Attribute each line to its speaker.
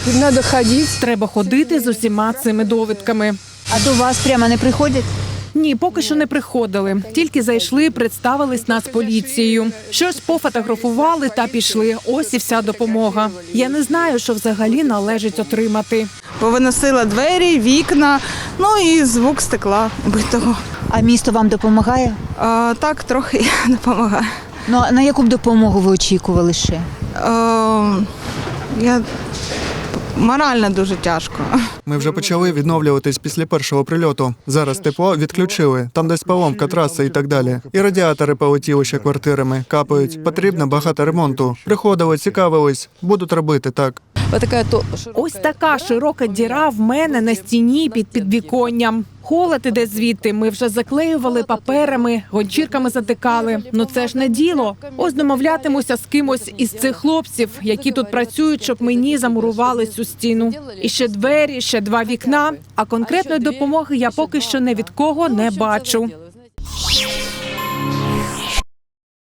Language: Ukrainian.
Speaker 1: Надо ходити.
Speaker 2: Треба ходити з усіма цими довідками.
Speaker 3: А до вас прямо не приходять?
Speaker 2: Ні, поки що не приходили. Тільки зайшли, представились Нацполіцією. Щось пофотографували та пішли. Ось і вся допомога. Я не знаю, що взагалі належить отримати.
Speaker 4: Повиносила двері, вікна, ну і звук стекла битого.
Speaker 3: А місто вам допомагає?
Speaker 4: Так, трохи допомагає.
Speaker 3: Ну, а на яку б допомогу ви очікували ще?
Speaker 4: Я морально дуже тяжко.
Speaker 5: Ми вже почали відновлюватись після першого прильоту. Зараз тепло відключили, там десь поломка траси і так далі. І радіатори полетіли ще квартирами, капають. Потрібно багато ремонту. Приходили, цікавились, будуть робити так.
Speaker 2: Ось така широка діра в мене на стіні під підвіконням. Холод іде звідти. Ми вже заклеювали паперами, гончірками затикали. Ну це ж не діло. Ось домовлятимуся з кимось із цих хлопців, які тут працюють, щоб мені замурували цю стіну. І ще двері, ще 2 вікна. А конкретної допомоги я поки що ні від кого не бачу.